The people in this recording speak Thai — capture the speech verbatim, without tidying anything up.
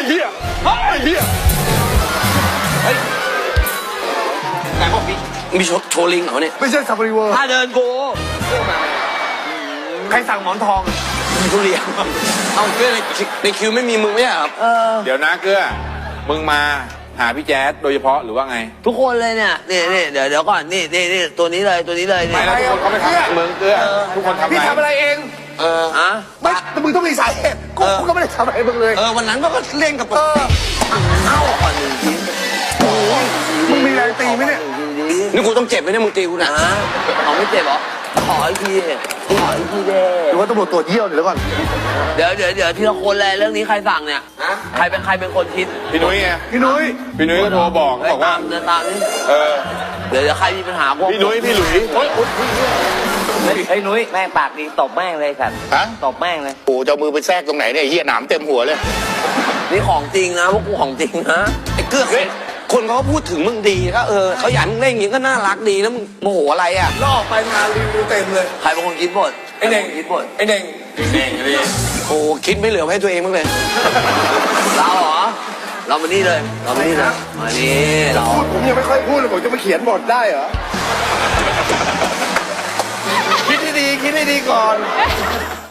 เหี้ยไอ้เหี้ยไหนบอกมีมีโชว์โชว์ลิงเหรอเนี่ยไม่ใช่ซาฟารีเวิร์ถ้าเดินกูใครสั่งหมอนทองมีทุเรียนเอาเกลือในในคิวไม่มีมึงไม่ใช่ครับเดี๋ยวนะเกลือมึงมาหาพี่แจ๊ดโดยเฉพาะหรือว่าไงทุกคนเลยเนี่ยนี่นี่เดี๋ยวเดี๋ยวก่อนนี่นี่นี่ตัวนี้เลยตัวนี้เลยไม่แล้วทุกคนเขาไม่ทำมึงเกลือทุกคนทำไงพี่ทำอะไรเองเอออะไม่แต่มึงต้องมีสาเหตุกูก็ไม่ได้ทำอะไรมึงเลยเออวันนั้นก็เล่นกับเออเอาก่อนหนึ่งทีมึงมีแรงตีไหมเนี่ยนี่กูต้องเจ็บไหมเนี่ยมึงตีกูนะเอาไม่เจ็บหรอขออีกทีขออีกทีเด้หรือว่าตำรวจตรวจเยี่ยวเดี๋ยวก่อนเดี๋ยวเดี๋ยวเดี๋ยวทีละคนเลยเรื่องนี้ใครสั่งเนี่ยใครเป็นใครเป็นคนคิดพี่นุ้ยไงพี่นุ้ยพี่นุ้ยก็โทรบอกบอกว่าเดินตามนี่เออเดี๋ยวเดี๋ยวใครมีปัญหาพวกพี่นุ้ยพี่หลุยโอ๊ยไอ้นุ้ยแม่งปากดีตบแม่งเลยสัตว์ฮะตบแม่งเลยโอ้จะมือไปแทรกตรงไหนเนี่ยเหี้ยหนามเต็มหัวเลยนี่ของจริงนะพวกกูของจริงนะไอ้เกื้อคนเขาพูดถึงมึงดีก็เออเขาอยากมึงเล่นอย่างนี้ก็น่ารักดีแล้วมึงโมโหอะไรอ่ะล่อไปมารีวิวเต็มเลยใครเป็นคนคิดบทไอ้เน่งคิดบทไอ้เน่งเน่งเลยโอ้คิดไม่เหลือให้ตัวเองมั้งเลยเราเหรอเรามานี่เลยเรามานี่เลยมานี่เราผมยังไม่ค่อยพูดเลยผมจะมาเขียนบทได้เหรอคิดให้ดีคิดให้ดีก่อน